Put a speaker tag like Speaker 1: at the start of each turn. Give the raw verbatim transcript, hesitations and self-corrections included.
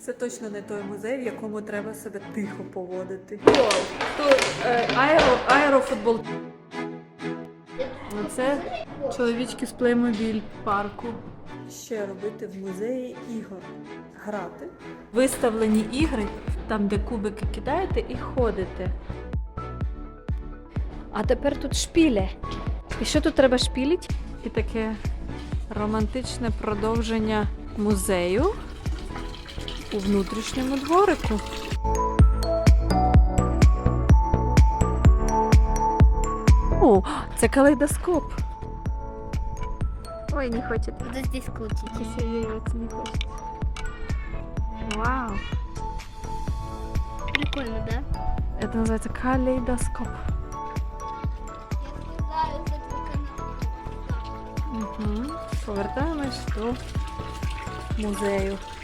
Speaker 1: Це точно не той музей, в якому треба себе тихо поводити.
Speaker 2: Тут е, аеро, аерофутбол. Це чоловічки з Playmobil парку.
Speaker 1: Що робити в музеї ігор? Грати.
Speaker 2: Виставлені ігри, там де кубики кидаєте і ходите.
Speaker 3: А тепер тут шпіле. І що тут треба шпілить?
Speaker 2: І таке романтичне продовження музею у внутрішньому дворику. О, це калейдоскоп.
Speaker 3: Ой, не хочет.
Speaker 4: Буду здесь крутить.
Speaker 3: Серьезно, не хочет.
Speaker 2: Вау!
Speaker 4: Прикольно, да?
Speaker 2: Це називається калейдоскоп.
Speaker 4: Я слезаю с этого канала.
Speaker 2: Угу. Повертаємось до музею.